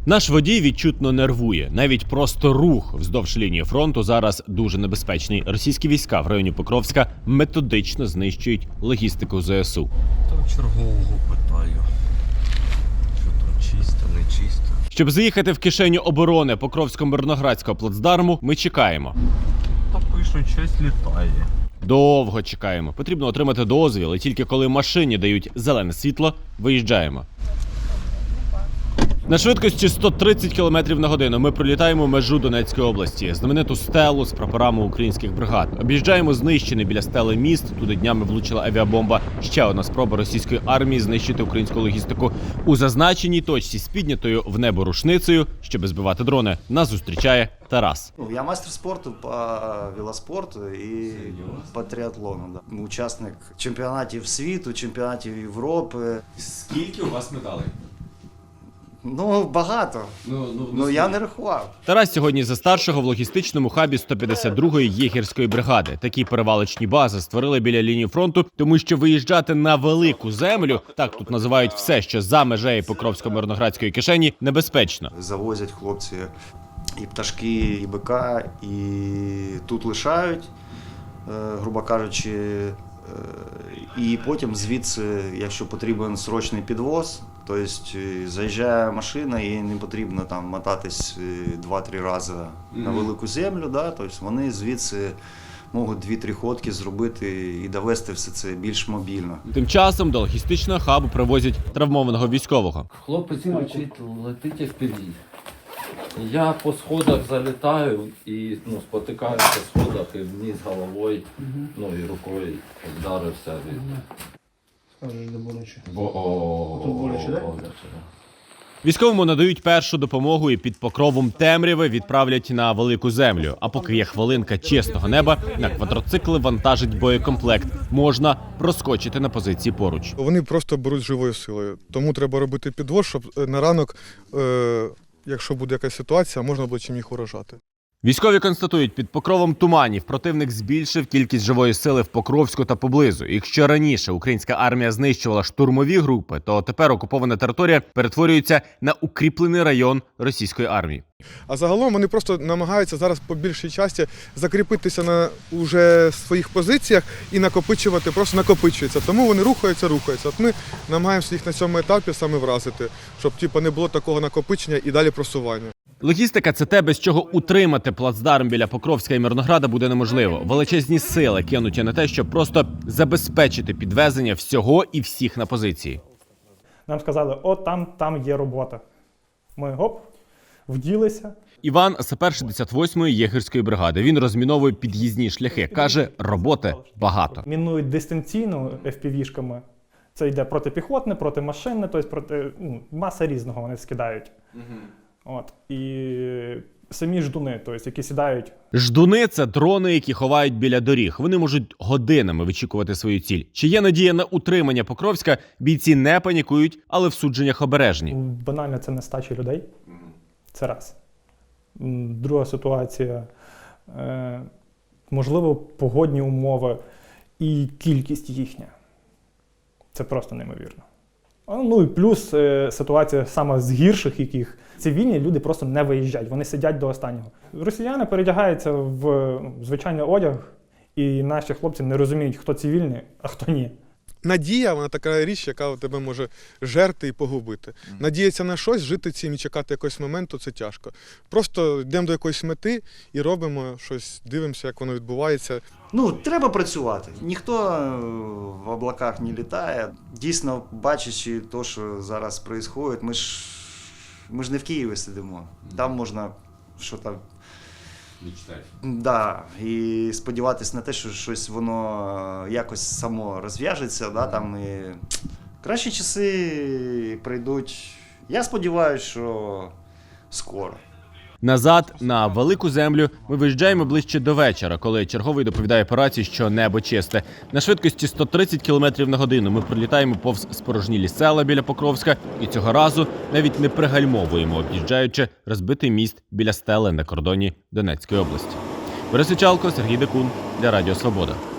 Наш водій відчутно нервує. Навіть просто рух вздовж лінії фронту зараз дуже небезпечний. Російські війська в районі Покровська методично знищують логістику ЗСУ. Там чергового питаю, що там чисто, не чисто. Щоб заїхати в кишеню оборони Покровсько-Мирноградського плацдарму, ми чекаємо. Та пишуть, щось літає. Довго чекаємо. Потрібно отримати дозвіл, і тільки коли машині дають зелене світло, виїжджаємо. На швидкості 130 км на годину ми пролітаємо межу Донецької області, знамениту стелу з прапорами українських бригад. Об'їжджаємо знищений біля стели міст. Туди днями влучила авіабомба. Ще одна спроба російської армії знищити українську логістику. У зазначеній точці з піднятою в небо рушницею, щоб збивати дрони, нас зустрічає Тарас. Я мастер спорту по велоспорту і по триатлону. Да. Учасник чемпіонатів світу, чемпіонатів Європи. Скільки у вас медалей? Ну, багато. Ну я не рахував. Тарас сьогодні за старшого в логістичному хабі 152-ї єгерської бригади. Такі перевалочні бази створили біля лінії фронту, тому що виїжджати на велику землю, так тут називають все, що за межею Покровсько-Мирноградської кишені, небезпечно. Завозять хлопці і пташки, і бика, і тут лишають, грубо кажучи, і потім звідси, якщо потрібен срочний підвоз, тобто заїжджає машина і не потрібно там мотатись 2-3 рази на велику землю, да? Тобто вони звідси можуть 2-3 ходки зробити і довести все це більш мобільно. Тим часом до логістичного хабу привозять травмованого військового. Хлопець кричить, летить FPV. Я по сходах залітаю і спотикаюся в сходах і вниз головою, і рукою вдарився від... Скажеш, де боляче. Тут боляче, да? Військовому надають першу допомогу і під покровом темряви відправлять на велику землю. А поки є хвилинка чесного неба, на квадроцикли вантажить боєкомплект. Можна проскочити на позиції поруч. Вони просто беруть живою силою. Тому треба робити підвоз, щоб на ранок, якщо буде якась ситуація, можна було чим їх уражати. Військові констатують, під покровом туманів противник збільшив кількість живої сили в Покровську та поблизу. Якщо раніше українська армія знищувала штурмові групи, то тепер окупована територія перетворюється на укріплений район російської армії. А загалом вони просто намагаються зараз по більшій часті закріпитися на уже своїх позиціях і накопичувати, просто накопичується. Тому вони рухаються. От ми намагаємося їх на цьому етапі саме вразити, щоб не було такого накопичення і далі просування. Логістика – це те, без чого утримати плацдарм біля Покровська і Мирнограда буде неможливо. Величезні сили кинуті на те, щоб просто забезпечити підвезення всього і всіх на позиції. Нам сказали, там є робота. Ми вділися. Іван – сапер 68-ї єгерської бригади. Він розміновує під'їзні шляхи. Каже, роботи багато. Мінують дистанційно FPV-шками. Це йде протипіхотне, протимашинне, тобто маса різного вони скидають. І самі ждуни, які сідають. Ждуни – це дрони, які ховають біля доріг. Вони можуть годинами вичікувати свою ціль. Чи є надія на утримання Покровська, бійці не панікують, але в судженнях обережні. Банально це нестача людей. Це раз. Друга ситуація. Можливо, погодні умови і кількість їхня. Це просто неймовірно. І плюс ситуація саме з гірших, яких цивільні люди просто не виїжджають, вони сидять до останнього. Росіяни передягаються в звичайний одяг, і наші хлопці не розуміють, хто цивільний, а хто ні. Надія – вона така річ, яка тебе може жерти і погубити. Надіятися на щось, жити цим і чекати якогось моменту – це тяжко. Просто йдемо до якоїсь мети і робимо щось, дивимося, як воно відбувається. Треба працювати. Ніхто в облаках не літає. Дійсно, бачачи те, що зараз відбувається, ми ж не в Києві сидимо. Там можна щось і сподіватися на те, що щось воно якось само розв'яжеться. І кращі часи прийдуть. Я сподіваюся, що скоро. Назад, на велику землю, ми виїжджаємо ближче до вечора, коли черговий доповідає по рації, що небо чисте. На швидкості 130 км на годину ми пролітаємо повз спорожнілі села біля Покровська і цього разу навіть не пригальмовуємо, об'їжджаючи розбитий міст біля стели на кордоні Донецької області. Борис Ічалко, Сергій Декун для Радіо Свобода.